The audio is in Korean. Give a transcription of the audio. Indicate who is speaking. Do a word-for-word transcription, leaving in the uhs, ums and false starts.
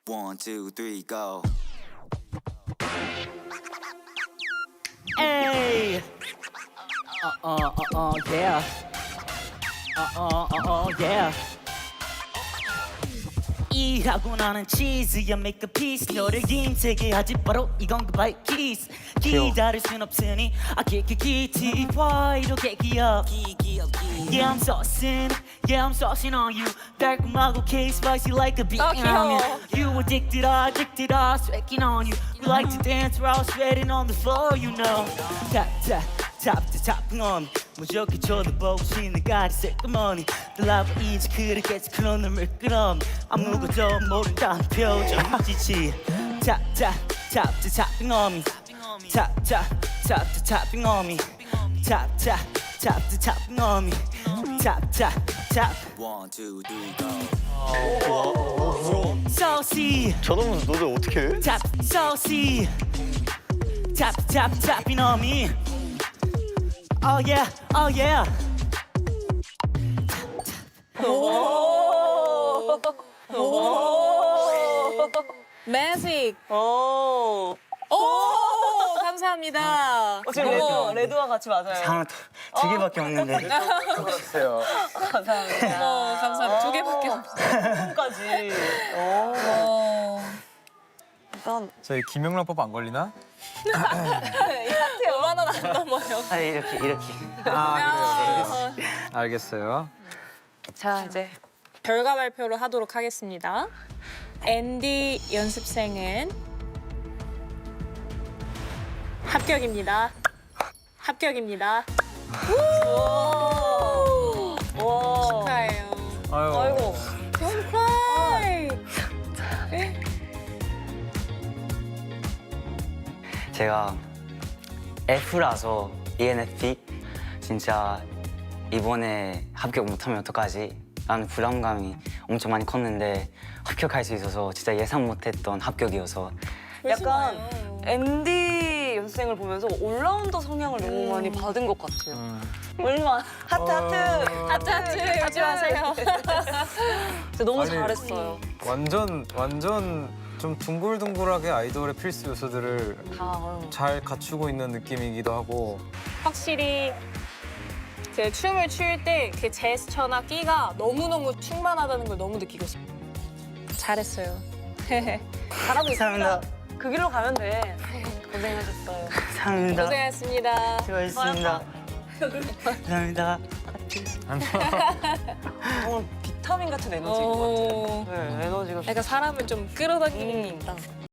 Speaker 1: One, two, three, go.
Speaker 2: Hey. Uh uh uh uh yeah. Uh uh uh uh yeah. 이하고 나는 치즈야 make a piece 너를 힘세게 하지 바로 이건 그 바이 키스 기다릴 순 없으니 I kick it kitty why 이렇게 귀여워 Yeah I'm saucing Yeah I'm saucing on you 달콤하고 K spicy like a beat
Speaker 3: 아, 귀여워.
Speaker 2: You addicted I addicted I sweating on you You like to dance while sweating on the floor you know Tap tap tap to tapping on me 무조건 쳐다보시는 가리 새까머니 달라고 이제 그렇게 그런 놈을 끌어 아무것도 모른다는 표정이지 Tap tap tap to tapping on me Tap tap tap to tapping on me Tap tap tap to tapping on me Tap tap tap
Speaker 1: One, two, three, go.
Speaker 2: saucy
Speaker 4: 저놈은 너네 어떻게 해?
Speaker 2: Tap saucy Tap tap tapping on me Oh yeah oh yeah
Speaker 3: 매직.
Speaker 5: 오.
Speaker 3: 오, 감사합니다.
Speaker 5: 어, 지금 레드, 레드와 같이 맞아요.
Speaker 2: 상을 두 개밖에 없는데
Speaker 4: 주세요.
Speaker 5: 감사합니다.
Speaker 3: 어, 감사합니다. 두 개밖에 없어요.
Speaker 5: 까지.
Speaker 3: 어.
Speaker 5: 일단
Speaker 4: 저희 김영란법 안 걸리나?
Speaker 3: 오만 원 안 넘어요.
Speaker 2: 아 이렇게 이렇게
Speaker 4: 아 그래요. 알겠어요.
Speaker 5: 자 이제
Speaker 3: 결과 발표를 하도록 하겠습니다. 앤디 연습생은 합격입니다. 합격입니다.
Speaker 5: 와.
Speaker 3: 축하해요.
Speaker 4: 아유.
Speaker 5: 아이고.
Speaker 3: Don't cry.
Speaker 6: 제가 F라서 이엔에프피 진짜 이번에 합격 못하면 어떡하지? 라는 불안감이 엄청 많이 컸는데 합격할 수 있어서 진짜 예상 못했던 합격이어서
Speaker 5: 약간
Speaker 3: 그러시나요?
Speaker 5: 앤디 연습생을 보면서 올라운더 성향을 너무 많이 받은 것 같아요. 얼마 하트 하트
Speaker 3: 하트 하트 하지 마세요.
Speaker 5: 진짜 너무
Speaker 4: 아니,
Speaker 5: 잘했어요.
Speaker 4: 완전 완전 좀 둥글둥글하게 아이돌의 필수 요소들을
Speaker 5: 다 어.
Speaker 4: 잘 갖추고 있는 느낌이기도 하고
Speaker 3: 확실히 그 춤을 출 때 그 제스처나 끼가 너무너무 충만하다는 걸 너무 느끼고 싶어요. 잘했어요.
Speaker 5: 잘하고 있습니다.
Speaker 2: 감사합니다
Speaker 5: 그 길로 가면 돼. 고생하셨어요.
Speaker 2: 감사합니다
Speaker 3: 고생하셨습니다.
Speaker 2: 수고하셨습니다 감사합니다
Speaker 5: 오늘 비타민 같은 에너지인 것 같아요.
Speaker 3: 어,
Speaker 5: 네, 에너지가
Speaker 3: 약간 사람을 좀 끌어당기는 게
Speaker 5: 음.
Speaker 3: 있다.